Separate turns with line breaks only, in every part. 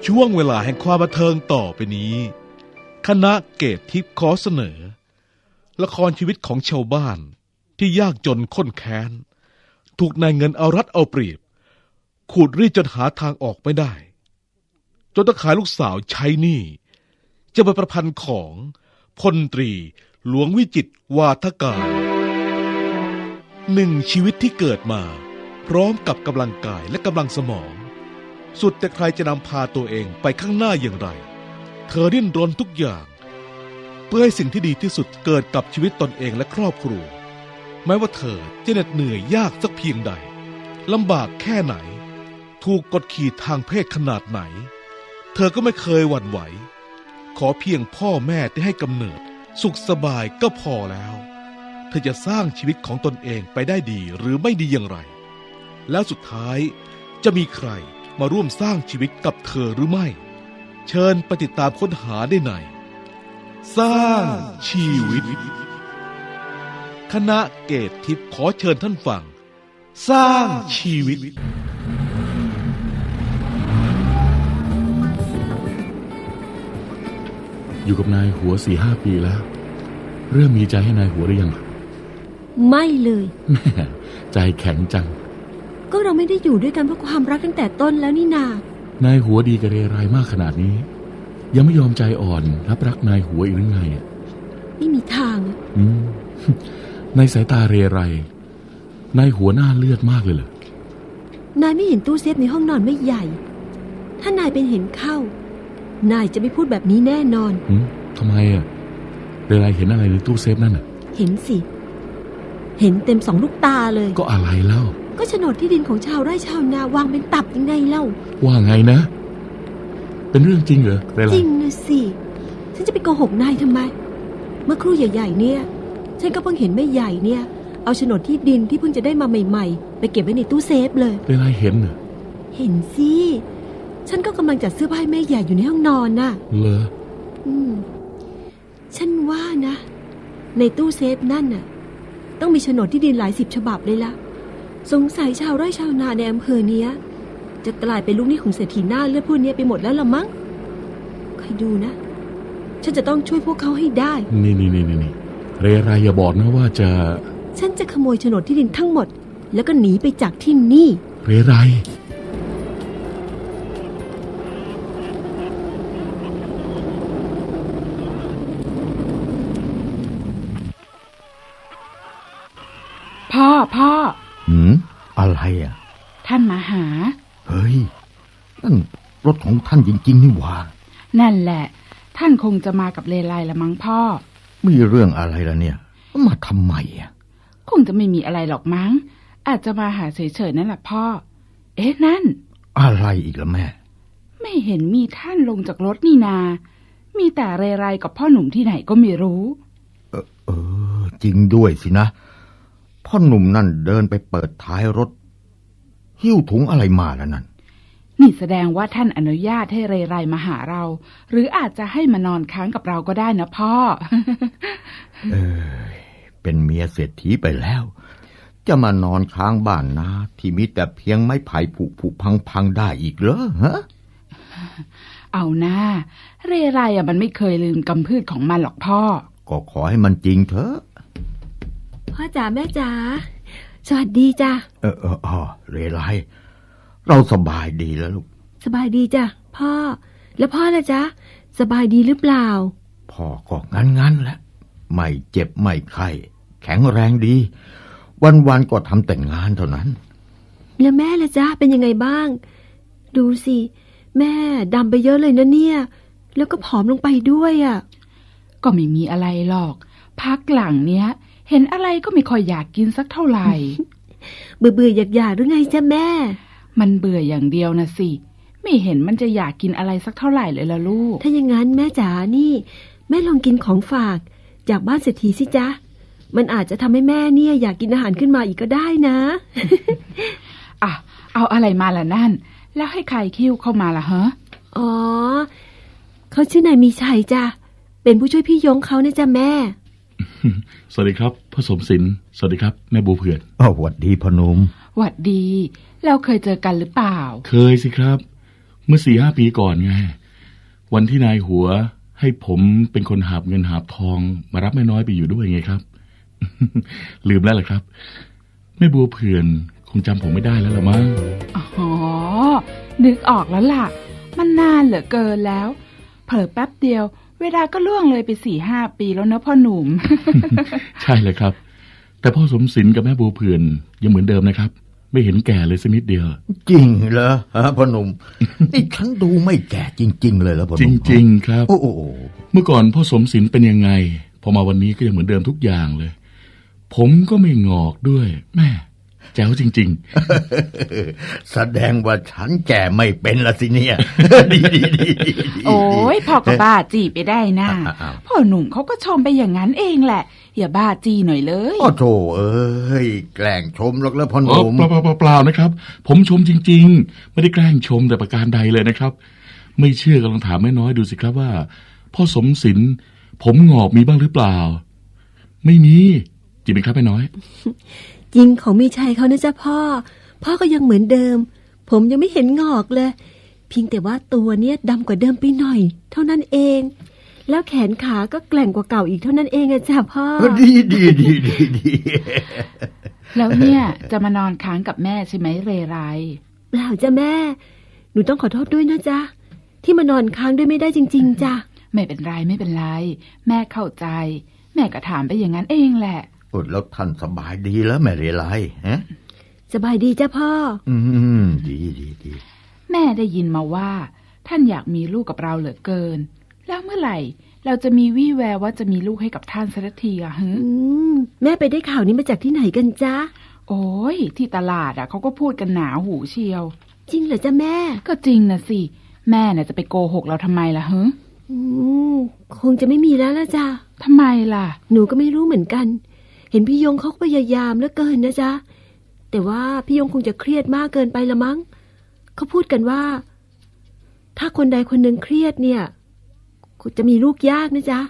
ช่วงเวลาแห่งความบันเทิงต่อไปนี้คณะเกตทิพย์ขอเสนอละครชีวิตของชาวบ้านที่ยากจนข้นแค้นถูกนายเงินเอารัดเอาเปรียบขูดรีดจนหาทางออกไม่ได้จนต้องขายลูกสาวใช้หนี้จะเป็นประพันธ์ของพลตรีหลวงวิจิตรวาทการหนึ่งชีวิตที่เกิดมาพร้อมกับกำลังกายและกำลังสมองสุดแต่ใครจะนำพาตัวเองไปข้างหน้าอย่างไรเธอดิ้นรนทุกอย่างเพื่อให้สิ่งที่ดีที่สุดเกิดกับชีวิตตนเองและครอบครัวแม้ว่าเธอจะเหน็ดเหนื่อยยากสักเพียงใดลำบากแค่ไหนถูกกดขี่ทางเพศขนาดไหนเธอก็ไม่เคยหวั่นไหวขอเพียงพ่อแม่ที่ให้กำเนิดสุขสบายก็พอแล้วเธอจะสร้างชีวิตของตนเองไปได้ดีหรือไม่ดีอย่างไรแล้วสุดท้ายจะมีใครมาร่วมสร้างชีวิตกับเธอหรือไม่เชิญไปติดตามค้นหาได้ในสร้างชีวิตคณะเกตทิพย์ขอเชิญท่านฟังสร้างชีวิต
อยู่กับนายหัว 4-5 ปีแล้วเริ่มมีใจให้นายหัวหรือยัง
ไม่เลย
แม่ใจแข็งจัง
ก็เราไม่ได้อยู่ด้วยกันเพราะความรักตั้งแต่ต้นแล้วนี่น
านายหัวดีกับเรไรมากขนาดนี้ยังไม่ยอมใจอ่อนรับรักนายหัวอีกหรือไง
ไม่มีทาง
ในสายตาเรไรนายหัวหน้าเลือดมากเลยเหร
อนายไม่เห็นตู้เซฟในห้องนอนไม่ใหญ่ถ้านายเป็นเห็นเข้านายจะไม่พูดแบบนี้แน่นอน
ทำไมเรไรเห็นอะไรในตู้เซฟนั่น
เห็นสิเห็นเต็ม2 ลูกตาเลย
ก็อะไรเล่า
ก็โฉนดที่ดินของชาวไร่ชาวนาวางเป็นตับยังไงเล่า
ว่าไงนะเป็นเรื่องจริงเหรอเรไร
จริงนะสิฉันจะไปโกหกนายทำไมเมื่อครู่ใหญ่ๆเนี่ยฉันก็เพิ่งเห็นแม่ใหญ่เนี่ยเอาโฉนดที่ดินที่เพิ่งจะได้มาใหม่ๆไปเก็บไว้ในตู้เซฟเลย
เรไรเห็นเหรอ
เห็นสิฉันก็กำลังจัดเสื้อผ้าให้แม่ใหญ่อยู่ในห้องนอนน่ะ
เหรอ
ฉันว่านะในตู้เซฟนั่นน่ะต้องมีโฉนดที่ดินหลาย10 ฉบับเลยล่ะสงสัยชาวไร่ชาวนาในอำเภอเนี้ยจะกลายเป็นลูกหนี้ของเศรษฐีหน้าเลือดพวกนี้ไปหมดแล้วละมั้งใครดูนะฉันจะต้องช่วยพวกเขาให้ได้
นี่เรไรอย่าบอกนะว่า
ฉันจะขโมยโฉนดที่ดินทั้งหมดแล้วก็หนีไปจากที่นี่
เรไร
พ่อ
อะไร
ท่านมาหา
เฮ้ยนั่นรถของท่านจริงๆนี่หว่า
นั่นแหละท่านคงจะมากับเลไลละมั้งพ่อ
มีเรื่องอะไรล่ะเนี่ยมาทำไม
คงจะไม่มีอะไรหรอกมั้งอาจจะมาหาเฉยๆนั่นแหละพ่อนั่น
อะไรอีกล่ะแม่
ไม่เห็นมีท่านลงจากรถนี่นามีแต่เรไรกับพ่อหนุ่มที่ไหนก็ไม่รู้
จริงด้วยสินะพ่อหนุ่มนั่นเดินไปเปิดท้ายรถหิ้วถุงอะไรมาแล้วนั่น
นี่แสดงว่าท่านอนุญาตให้เรไรมาหาเราหรืออาจจะให้มานอนค้างกับเราก็ได้นะพ่อ
เป็นเมียเศรษฐีไปแล้วจะมานอนค้างบ้านนาที่มีแต่เพียงไม้ไผ่ผุพังได้อีกเหรอฮะ
เอาหน้าเรไรมันไม่เคยลืมกำพืชของมันหรอกพ่อ
ก็ขอให้มันจริงเถอะ
พ่อจ๋าแม่จ๋าสวัสดีจ้ะ
เรไรเราสบายดีแล้วลูก
สบายดีจ้ะพ่อแล้วพ่อล่ะจ๊ะสบายดีหรือเปล่า
พ่อก็งั้นแหละไม่เจ็บไม่ไข้แข็งแรงดีวันๆก็ทำแต่งานเท่านั้น
แล้วแม่ล่ะจ๊ะเป็นยังไงบ้างดูสิแม่ดำไปเยอะเลยนะเนี่ยแล้วก็ผอมลงไปด้วย
ก็ไม่มีอะไรหรอกพักหลังเนี้ยเห็นอะไรก็ไม่ค่อยอยากกินสักเท่าไหร่
เบื่ออยากหรือไงจ๊ะแม่
มันเบื่ออย่างเดียวนะสิไม่เห็นมันจะอยากกินอะไรสักเท่าไหร่เลยล่ะลูก
ถ้าอย่างนั้นแม่จ๋านี่แม่ลองกินของฝากจากบ้านเศรษฐีสิจ๊ะมันอาจจะทำให้แม่เนี่ยอยากกินอาหารขึ้นมาอีกก็ได้นะ
เอาอะไรมาล่ะนั่นแล้วให้ใครคิ้วเข้ามาล่ะฮะ
เขาชื่อนายมีชัยจ้ะเป็นผู้ช่วยพี่ยงเขาเนี่ยจ้ะแม่
สวัสดีครับพ่อสมศิลป์สวัสดีครับแม่บัวเผื่อน
หวัดดีพ่อหนุ่ม
หวัดดีเราเคยเจอกันหรือเปล่า
เคยสิครับเมื่อ4-5 ปีก่อนไงวันที่นายหัวให้ผมเป็นคนหาบเงินหาบทองมารับแม่น้อยไปอยู่ด้วยไงครับ ลืมแล้วเหรอครับแม่บัวเผื่อนคงจำผมไม่ได้แล้วละมั้ง
อ๋อ นึกออกแล้วล่ะ มันนานเหลือเกินแล้ว เผลอแป๊บเดียว เวลาก็ล่วงเลยไป4-5 ปีแล้วเนอะพ่อหนุ่ม
ใช่เลยครับ แต่พ่อสมศิลป์กับแม่บัวเผื่อนยังเหมือนเดิมนะครับ ไม่เห็นแก่เลยสักนิดเดียว
จริงเหรอฮะพ่อหนุ่ม นี่ฉันดูไม่แก่จริงๆเลยแล้วพ่อห
จ
นุ่ม
ริงๆครับ
โอ้โห
เมื่อก่อนพ่อสมศิลป์เป็นยังไงพอมาวันนี้ก็ยังเหมือนเดิมทุกอย่างเลย ผมก็ไม่งอกด้วยแม่แจ๋วจริง
แสดงว่าฉันแก่ไม่เป็นละสิเนี่ย ดี
โอ้ยพ่อก็บ้าจีไปได้นะ
อ้าว
พ่อหนุ่มเขาก็ชมไปอย่างนั้นเองแหละ อย่าบ้าจีหน่อยเลย
โอ้โถเอ้ยแกล้งชมหรอกแล้วพ่อห
ๆ
นุ่ม
เปล่านะครับ ผมชมจริงๆไม่ได้แกล้งชมแต่ประการใดเลยนะครับ ไม่เชื่อก็ลองถามแม่น้อยดูสิครับว่าพ่อสมศิลป์ผมงอกมีบ้างหรือเปล่า ไม่มีจริงไหมครับแม่น้อย
จริงของมีชัยเขานะจ๊ะพ่อ พ่อก็ยังเหมือนเดิม ผมยังไม่เห็นงอกเลย เพียงแต่ว่าตัวเนี้ยดำกว่าเดิมไปหน่อย เท่านั้นเอง แล้วแขนขาก็แกร่งกว่าเก่าอีกเท่านั้นเองอะจ้ะพ่อ
ดี
แล้วเนี่ยจะมานอนค้างกับแม่ใช่ไหมเรไร
เปล่าจ้ะแม่ หนูต้องขอโทษด้วยนะจ๊ะที่มานอนค้างด้วยไม่ได้จริง ๆจ้ะ
ไม่เป็นไรไม่เป็นไร แม่เข้าใจ แม่ก็ถามไปอย่างนั้นเองแหละ
อดแล้วท่านสบายดีแล้วแม่เรไรฮะ
สบายดีจ้ะพ่อ
ดี
แม่ได้ยินมาว่า ท่านอยากมีลูกกับเราเหลือเกิน แล้วเมื่อไหร่ เราจะมีวี่แววว่าจะมีลูกให้กับท่านสักทีอะฮึ
แม่ไปได้ข่าวนี้มาจากที่ไหนกันจ๊ะ
โอ้ยที่ตลาดอะเขาก็พูดกันหนาหูเชียว
จริงเหรอจ๊ะแม่
ก็จริงนะสิ แม่น่ะจะไปโกหกเราทำไมล่ะฮึ
คงจะไม่มีแล้วละจ้ะ
ทำไมล่ะ
หนูก็ไม่รู้เหมือนกัน เห็นพี่ยงเขาก็พยายามเหลือเกินนะจ๊ะ แต่ว่าพี่ยงคงจะเครียดมากเกินไปละมั้ง เขาพูดกันว่า ถ้าคนใดคนหนึ่งเครียดเนี่ยจะมีลูกยากนะจ๊ะ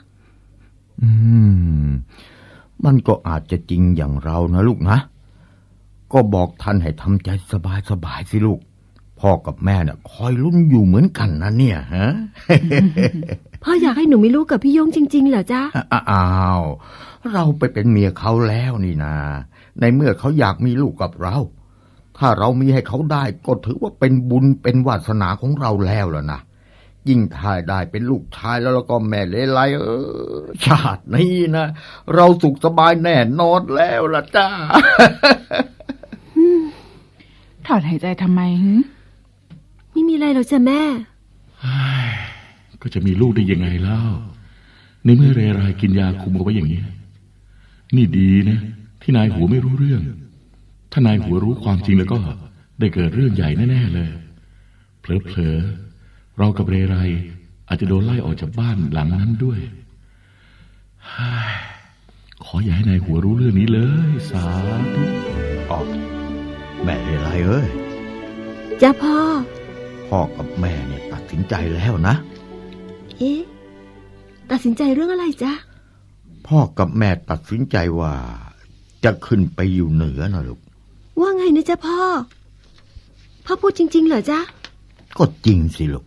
มันก็อาจจะจริงอย่างเรานะลูกนะก็บอกท่านให้ทำใจสบายสิลูกพ่อกับแม่เนี่ยคอยลุ้นอยู่เหมือนกันนะเนี่ยฮะ
พ่ออยากให้หนูมีลูกกับพี่ยงจริงๆเหรอจ๊ะ
อ้าวเราไปเป็นเมียเขาแล้วนี่นาในเมื่อเขาอยากมีลูกกับเรา ถ้าเรามีให้เขาได้ก็ถือว่าเป็นบุญเป็นวาสนาของเราแล้วล่ะนะยิ่งถ้าได้เป็นลูกชายแล้วก็แม่เลไลชาตินี้นะเราสุขสบายแน่นอนแล้วล่ะจ้า
ถอนหายใจทำไมฮึ
ไม่มีอะไรหรอกจ้ะแม่
ก็จะมีลูกได้ยังไงเล่าในเมื่อเรไรกินยาคุมเอาไว้อย่างนี้นี่ดีนะที่นายหัวไม่รู้เรื่องถ้านายหัวรู้ความจริงแล้วก็ได้เกิดเรื่องใหญ่แน่ๆเลยเผลอๆเรากับเรไรอาจจะโดนไล่ออกจากบ้านหลังนั้นด้วยขออย่าให้นายหัวรู้เรื่องนี้เลยสาธุ
แม่เลไลเอ้ย
จ้ะพ่อ
พ่อกับแม่เนี่ยตัดสินใจแล้วนะ
เอ๊ะ ตัดสินใจเรื่องอะไรจ๊ะ
พ่อกับแม่ตัดสินใจว่าจะขึ้นไปอยู่เหนือนะลูก
ว่าไงนะจ๊ะพ่อ พ่อพูดจริงๆเหรอจ๊ะ
ก็จริงสิลูก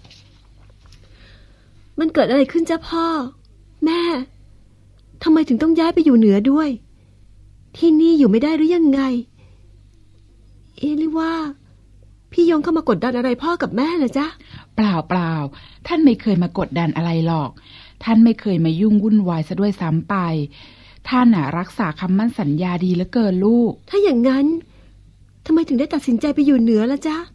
มันเกิดอะไรขึ้นจ๊ะพ่อ แม่ทำไมถึงต้องย้ายไปอยู่เหนือด้วย ที่นี่อยู่ไม่ได้หรือยังไง เอ๊ะหรือว่า พี่ยงเข้ามากดดันอะไรพ่อกับแม่เหรอจ๊ะ
เปล่าท่านไม่เคยมากดดันอะไรหรอก ท่านไม่เคยมายุ่งวุ่นวายซะด้วยซ้ำไป ท่านน่ะรักษาคำมั่นสัญญาดีเหลือเกินลูก
ถ้าอย่างนั้นทำไมถึงได้ตัดสินใจไปอยู่เหนือล่ะจ๊ะ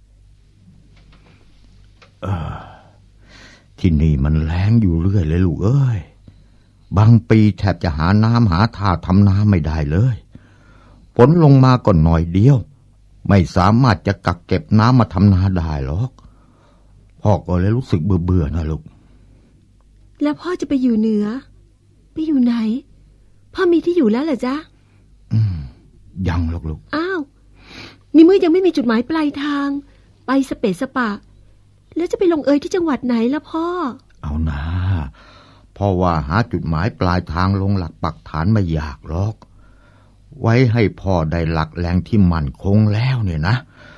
ที่นี่มันแล้งอยู่เรื่อยเลยลูกเอ้ยบางปีแทบจะหาน้ำหาท่าทำนาไม่ได้เลยฝนลงมาก็หน่อยเดียวไม่สามารถจะกักเก็บน้ำมาทำนาได้หรอกพ่อก็เลยรู้สึกเบื่อนะลูก
แล้วพ่อจะไปอยู่เหนือ ไปอยู่ไหน พ่อมีที่อยู่แล้วเหรอจ๊ะ
ยังหรอกลูก
อ้าวนี่เมื่อยังไม่มีจุดหมายปลายทาง ไปสเปซสปะ แล้วจะไปลงเอยที่จังหวัดไหนล่ะพ่อ
เอานะพ่อว่าหาจุดหมายปลายทางลงหลักปักฐานไม่ยากหรอกไว้ให้พ่อได้หลักแหล่งที่มั่นคงแล้วเนี่ยนะท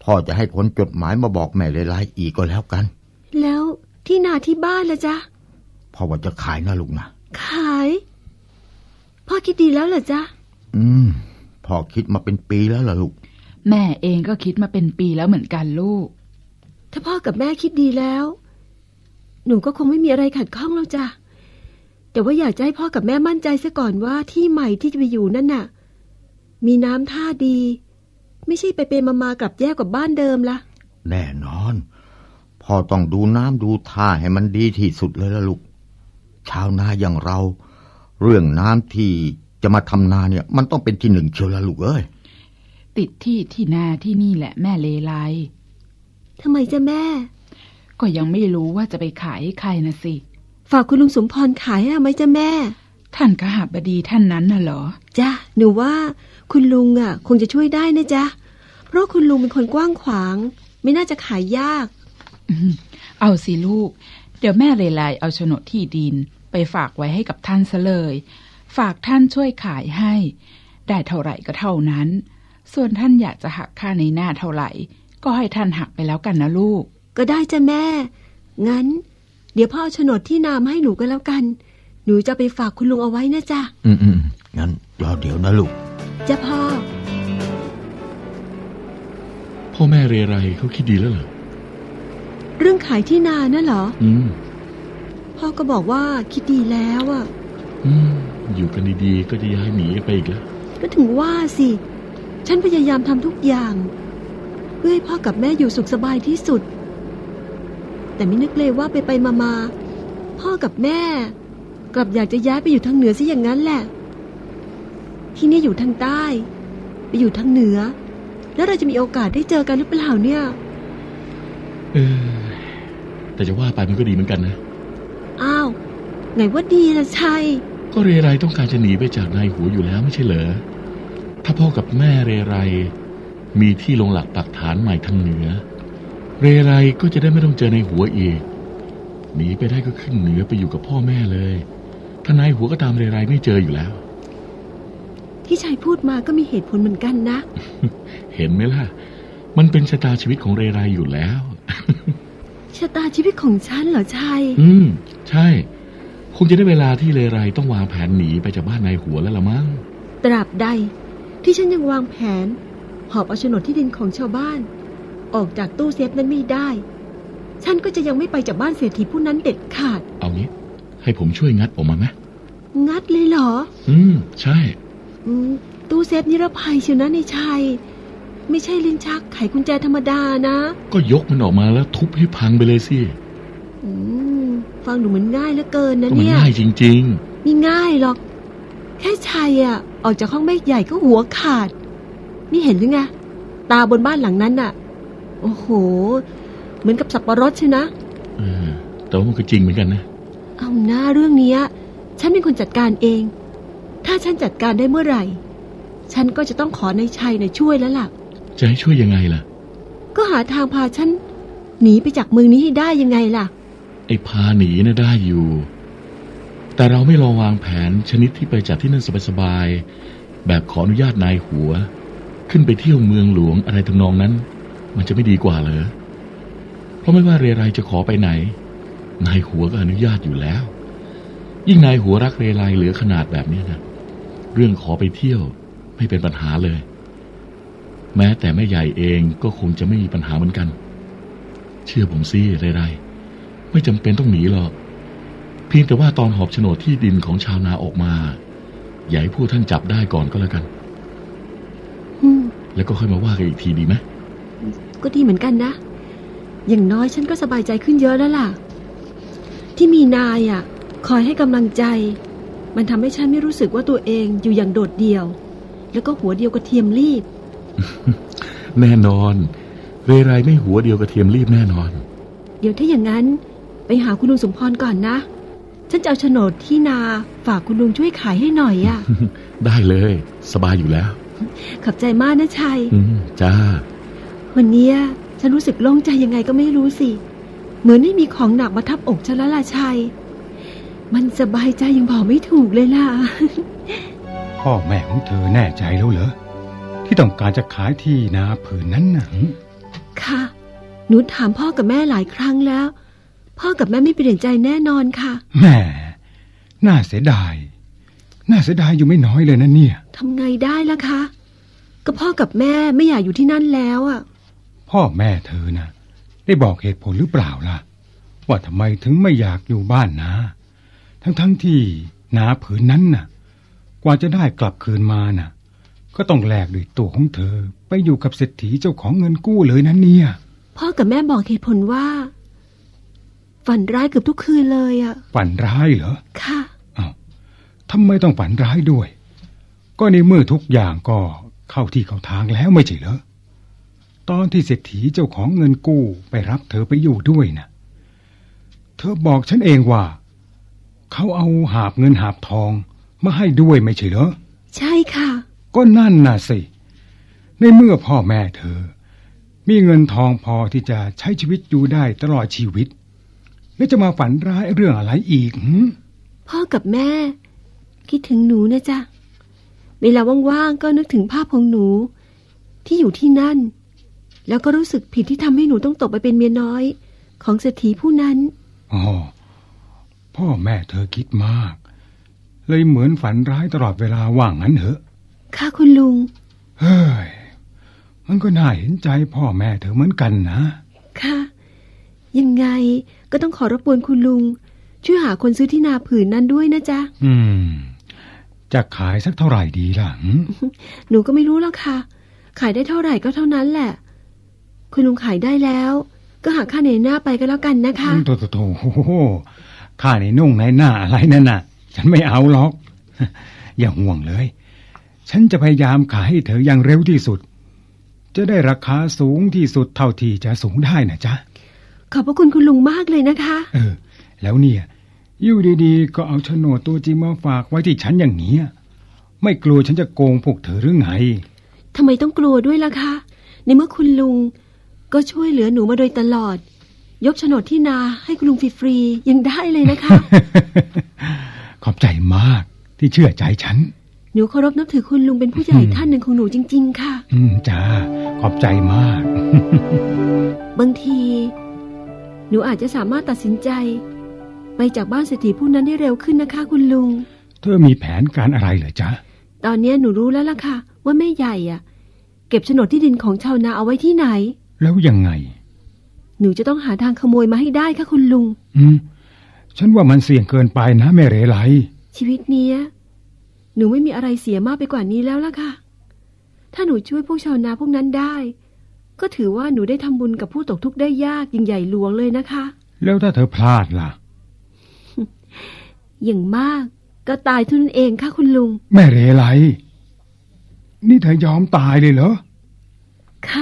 พ่อจะให้คนจดหมายมาบอกแม่เลไลอีกก็แล้วกัน
แล้วที่นาที่บ้านล่ะจ๊ะ
พ่อว่าจะขายนะลูกนะ
ขายพ่อคิดดีแล้วเหรอจ๊ะ
พ่อคิดมาเป็นปีแล้วล่ะลูก
แม่เองก็คิดมาเป็นปีแล้วเหมือนกันลูก
ถ้าพ่อกับแม่คิดดีแล้ว หนูก็คงไม่มีอะไรขัดข้องแล้วจ้ะแต่ว่าอยากจะให้พ่อกับแม่มั่นใจซะก่อนว่าที่ใหม่ที่จะไปอยู่นั่นน่ะมีน้ำท่าดี ไม่ใช่ไปเป็นมากลับแย่กว่าบ้านเดิมละ
แน่นอนพ่อต้องดูน้ำดูท่าให้มันดีที่สุดเลยล่ะลูกชาวนาอย่างเรา เรื่องน้ำที่จะมาทำนาเนี่ยมันต้องเป็นที่หนึ่งเชียวละลูกเอ้ย
ติดที่นาที่นี่แหละแม่เลไล
ทำไมจ๊ะแม่
ก็ยังไม่รู้ว่าจะไปขายให้ใครนะสิ
ฝากคุณลุงสมพรขายให้ไหมจ๊ะแม่
ท่านกหบดีท่านนั้นน่ะเหรอ
จ้ะหนูว่าคุณลุงอ่ะคงจะช่วยได้นะจ๊ะเพราะคุณลุงเป็นคนกว้างขวางไม่น่าจะขายยาก
เอาสิลูกเดี๋ยวแม่เลไลเอาโฉนดที่ดินไปฝากไว้ให้กับท่านซะเลยฝากท่านช่วยขายให้ได้เท่าไหร่ก็เท่านั้นส่วนท่านอยากจะหักค่าในหน้าเท่าไหร่ก็ให้ท่านหักไปแล้วกันนะลูก
ก็ได้จ้ะแม่งั้นเดี๋ยวพ่อเอาโฉนดที่นามาให้หนูก็แล้วกันหนูจะไปฝากคุณลุงเอาไว้นะจ๊ะ
งั้นรอเดี๋ยวนะลูก
จ้ะพ่อ
พ่อแม่เรไรเขาคิดดีแล้วเหรอ
เรื่องขายที่นาน่ะเหรอ
พ่
อก็บอกว่าคิดดีแล้วอ่ะ
อยู่กันดีๆก็จะย้ายหนีไปอีกแล้ว
ก็ถึงว่าสิฉันพยายามทำทุกอย่างเพื่อให้พ่อกับแม่อยู่สุขสบายที่สุดแต่ไม่นึกเลยว่าไปมาพ่อกับแม่กลับอยากจะย้ายไปอยู่ทางเหนือซะอย่างนั้นแหละที่นี่อยู่ทางใต้ไปอยู่ทางเหนือแล้วเราจะมีโอกาสได้เจอกันหรือเปล่าเนี่ย
แต่จะว่าไปมันก็ดีเหมือนกันนะ
อ้าวไหนว่าดีล่ะชัย
ก็เรไรต้องการจะหนีไปจากนายหัวอยู่แล้วไม่ใช่เหรอถ้าพ่อกับแม่เรไรมีที่ลงหลักปักฐานใหม่ทางเหนือเรไรก็จะได้ไม่ต้องเจอนายหัวอีกหนีไปได้ก็ขึ้นเหนือไปอยู่กับพ่อแม่เลยถ้านายหัวก็ตามเรไรไม่เจออยู่แล้ว
ที่ชัยพูดมาก็มีเหตุผลเหมือนกันนะ
เห็นไหมล่ะมันเป็นชะตาชีวิตของเรไรอยู่แล้ว
ชะตาชีวิตของฉันเหรอชัย
ใช่คงจะได้เวลาที่เรไรต้องวางแผนหนีไปจากบ้านนายหัวแล้วละมั้ง
ตราบใดที่ฉันยังวางแผนหอบเอาโฉนดที่ดินของชาวบ้านออกจากตู้เซฟนั้นไม่ได้ฉันก็จะยังไม่ไปจากบ้านเศรษฐีผู้นั้นเด็ดขาด
เอางี้ให้ผมช่วยงัดออกมาไหม
งัดเลยเหรอ
ใช่
ตู้เซฟนิรภัยเชียวนะในชัยไม่ใช่ลิ้นชักไขกุญแจธรรมดานะ
ก็ยกมันออกมาแล้วทุบให้พังไปเลยสิ
ฟังดูเหมือนง่ายเหลือเกินนะเนี่ย
มันง่ายจริง
ๆไม่ง่ายหรอกแค่ชัยออกจากห้องแม่ใหญ่ก็หัวขาดนี่เห็นหรือไงตาบนบ้านหลังนั้นน่ะโอ้โหเหมือนกับสับปะรดใช่นะ
แต่ว่ามันก็จริงเหมือนกันนะ
เอาหน้าเรื่องนี้ฉันเป็นคนจัดการเองถ้าฉันจัดการได้เมื่อไหร่ฉันก็จะต้องขอนายชัยช่วยแล้วล่ะ
จะให้ช่วยยังไงล่ะ
ก็หาทางพาฉันหนีไปจากเมืองนี้ให้ได้ยังไงล่ะ
ไอ้พาหนีน่ะได้อยู่แต่เราไม่ลองวางแผนชนิดที่ไปจากที่นั่นสบายๆแบบขออนุญาตนายหัวขึ้นไปเที่ยวเมืองหลวงอะไรทำนองนั้นมันจะไม่ดีกว่าเหรอเพราะไม่ว่าเรไรจะขอไปไหนนายหัวก็อนุญาตอยู่แล้วยิ่งนายหัวรักเรไรเหลือขนาดแบบนี้นะเรื่องขอไปเที่ยวไม่เป็นปัญหาเลยแม้แต่แม่ใหญ่เองก็คงจะไม่มีปัญหาเหมือนกันเชื่อผมสิเรไรไม่จำเป็นต้องหนีหรอกเพียงแต่ว่าตอนหอบโฉนดที่ดินของชาวนาออกมาอย่าให้พวกท่านจับได้ก่อนก็แล้วกันแล้วก็ค่อยมาว่ากันอีกทีดีไหม
ก็ดีเหมือนกันนะอย่างน้อยฉันก็สบายใจขึ้นเยอะแล้วล่ะที่มีนายคอยให้กำลังใจมันทำให้ฉันไม่รู้สึกว่าตัวเองอยู่อย่างโดดเดี่ยวแล้วก็หัวเดียวกระเทียมรีบ
แน่นอนเรไรไม่หัวเดียวกระเทียมรีบแน่นอน
เดี๋ยวถ้าอย่างนั้นไปหาคุณลุงสมพรก่อนนะฉันจะเอาโฉนดที่นาฝากคุณลุงช่วยขายให้หน่อย
ได้เลยสบายอยู่แล้ว
ขอบใจมากนะชัย
จ้า
วันนี้ฉันรู้สึกโล่งใจยังไงก็ไม่รู้สิเหมือนไม่มีของหนักมาทับอกฉันแล้วล่ะชัยมันสบายใจยังบอกไม่ถูกเลยล่ะ
พ่อแม่ของเธอแน่ใจแล้วเหรอที่ต้องการจะขายที่นาผืนนั้นน่ะ
ค่ะ หนูถามพ่อกับแม่หลายครั้งแล้ว พ่อกับแม่ไม่เปลี่ยนใจแน่นอนค่ะ
แหมน่าเสียดายอยู่ไม่น้อยเลยนะเนี่ย
ทำไงได้ล่ะคะ ก็พ่อกับแม่ไม่อยากอยู่ที่นั่นแล้วอ่ะ
พ่อแม่เธอนะได้บอกเหตุผลหรือเปล่าล่ะว่าทำไมถึงไม่อยากอยู่บ้านนะทั้งที่นาผืนนั้นน่ะกว่าจะได้กลับคืนมาน่ะก็ต้องแลกด้วยตัวของเธอไปอยู่กับเศรษฐีเจ้าของเงินกู้เลยนะเนี่ย
พ่อกับแม่บอกเหตุผลว่า ฝันร้ายเกือบทุกคืนเลยอ่ะ
ฝันร้ายเหรอ
ค่ะ
อ้าวทำไมต้องฝันร้ายด้วยก็ในเมื่อทุกอย่างก็เข้าที่เข้าทางแล้วไม่ใช่เหรอตอนที่เศรษฐีเจ้าของเงินกู้ไปรับเธอไปอยู่ด้วยนะเธอบอกฉันเองว่าเขาเอาหาบเงินหาบทองมาให้ด้วยไม่ใช่เหรอ
ใช่ค่ะ
ก็นั่นน่ะสิในเมื่อพ่อแม่เธอมีเงินทองพอที่จะใช้ชีวิตอยู่ได้ตลอดชีวิตแล้วจะมาฝันร้ายเรื่องอะไรอีก
พ่อกับแม่คิดถึงหนูนะจ๊ะเวลาว่างๆก็นึกถึงภาพของหนูที่อยู่ที่นั่นแล้วก็รู้สึกผิดที่ทำให้หนูต้องตกไปเป็นเมียน้อยของเศรษฐีผู้นั้น
อ๋อพ่อแม่เธอคิดมากเลยเหมือนฝันร้ายตลอดเวลาว่างงั้นเหรอ
ค่ะคุณลุง
เฮ้ยมันก็น่าเห็นใจพ่อแม่เธอเหมือนกันนะ
ค่ะ ยังไงก็ต้องขอรบกวนคุณลุงช่วยหาคนซื้อที่นาผืนนั้นด้วยนะจ๊ะ
จะขายสักเท่าไหร่ดีล่ะ
หนูก็ไม่รู้แล้วค่ะขายได้เท่าไหร่ก็เท่านั้นแหละคุณลุงขายได้แล้วก็หาค่าในหน้าไปก็แล้วกันนะคะ
โถค่าในนุ่งในหน้าอะไรนั่นน่ะฉันไม่เอาหรอก อย่าห่วงเลยฉันจะพยายามขายให้เธออย่างเร็วที่สุดจะได้ราคาสูงที่สุดเท่าที่จะสูงได้นะจ๊ะ
ขอบพระคุณคุณลุงมากเลยนะคะ
แล้วเนี่ยอยู่ดีๆก็เอาโฉนดตัวจริงมาฝากไว้ที่ฉันอย่างนี้ไม่กลัวฉันจะโกงพวกเธอหรือไง
ทำไมต้องกลัวด้วยล่ะคะในเมื่อคุณลุงก็ช่วยเหลือหนูมาโดยตลอดยกโฉนดที่นาให้คุณลุงฟรีๆยังได้เลยนะคะ
ขอบใจมากที่เชื่อใจฉัน
หนูเคารพนับถือคุณลุงเป็นผู้ใหญ่ท่านหนึ่งของหนูจริงๆค่ะ
จ้าขอบใจมาก
บางทีหนูอาจจะสามารถตัดสินใจไปจากบ้านเศรษฐีผู้นั้นได้เร็วขึ้นนะคะคุณลุง
เธอมีแผนการอะไรเหรอจ๊ะ
ตอนนี้หนูรู้แล้วล่ะค่ะว่าแม่ใหญ่เก็บโฉนดที่ดินของชาวนาเอาไว้ที่ไหน
แล้วยังไง
หนูจะต้องหาทางขโมยมาให้ได้ค่ะคุณลุง
ฉันว่ามันเสี่ยงเกินไปนะแม่เรไล
ชีวิตนี้หนูไม่มีอะไรเสียมากไปกว่านี้แล้วล่ะค่ะถ้าหนูช่วยพวกชาวนาพวกนั้นได้ก็ถือว่าหนูได้ทำบุญกับผู้ตกทุกข์ได้ยากยิ่งใหญ่หลวงเลยนะคะ
แล้วถ้าเธอพลาดล่ะ
อย่างมากก็ตายเท่านั้นเองค่ะคุณลุง
แม่เรไลนี่เธอยอมตายเลยเหรอ
ค่ะ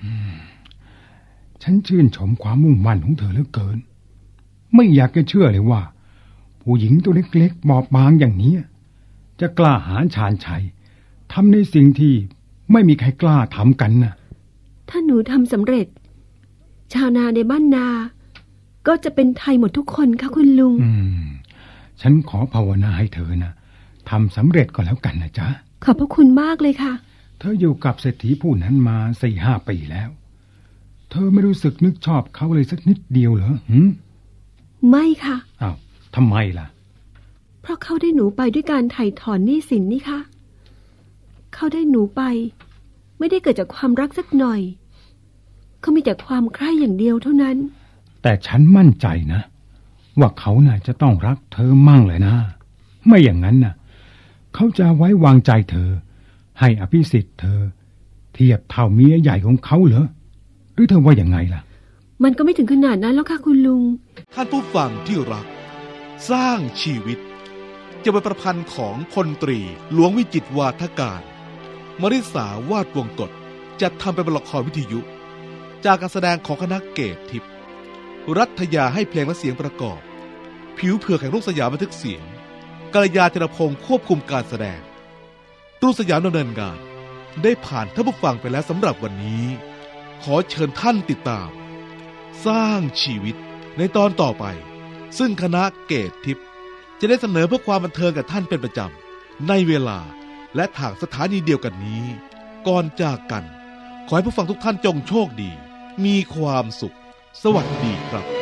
ฉันชื่นชมความมุ่งมั่นของเธอเหลือเกินไม่อยากจะเชื่อเลยว่าผู้หญิงตัวเล็กๆบอบบางอย่างนี้จะกล้าหาญชาญชัยทำในสิ่งที่ไม่มีใครกล้าทำกันนะ
ถ้าหนูทำสำเร็จชาวนาในบ้านนาก็จะเป็นไทยหมดทุกคนค่ะคุณลุง
ฉันขอภาวนาให้เธอนะทำสำเร็จก็แล้วกันนะจ๊ะ
ขอบพระคุณมากเลยค่ะ
เธออยู่กับเศรษฐีผู้นั้นมา 4-5 ปีแล้วเธอไม่รู้สึกนึกชอบเขาเลยสักนิดเดียวเหรอ
ไม่ค่ะ
อ้าวทำไมล่ะ
เพราะเขาได้หนูไปด้วยการไถ่ถอนหนี้สินนี่ค่ะเขาได้หนูไปไม่ได้เกิดจากความรักสักหน่อยเขามีแต่ความใคร่อย่างเดียวเท่านั้น
แต่ฉันมั่นใจนะว่าเขาน่ะจะต้องรักเธอมั่งเลยนะไม่อย่างนั้นน่ะเขาจะไว้วางใจเธอให้อภิสิทธิ์เธอเทียบเท่าเมียใหญ่ของเขาเหรอหรือเธอว่าอย่างไงล่ะ
มันก็ไม่ถึงขนาดนั้นแล้วค่ะคุณลุง
ท่านผู้ฟังที่รักสร้างชีวิตจะเป็นประพันธ์ของพลตรีหลวงวิจิตรวาทการมริษาวาดวงกฎจัดทำเป็นละครวิทยุจากการแสดงของคณะเกตทิพย์รัฐยาให้เพลงและเสียงประกอบผิวเผือกแห่งรุ่งสยามบันทึกเสียงกัลยาธีรพงศ์ควบคุมการแสดงรุ่งสยามดำเนินงานได้ผ่านท่านผู้ฟังไปแล้วสำหรับวันนี้ขอเชิญท่านติดตามสร้างชีวิตในตอนต่อไปซึ่งคณะเกตทิพย์จะได้เสนอเพื่อความบันเทิงกับท่านเป็นประจำในเวลาและทางสถานีเดียวกันนี้ก่อนจากกันขอให้ผู้ฟังทุกท่านจงโชคดีมีความสุข สวัสดีครับ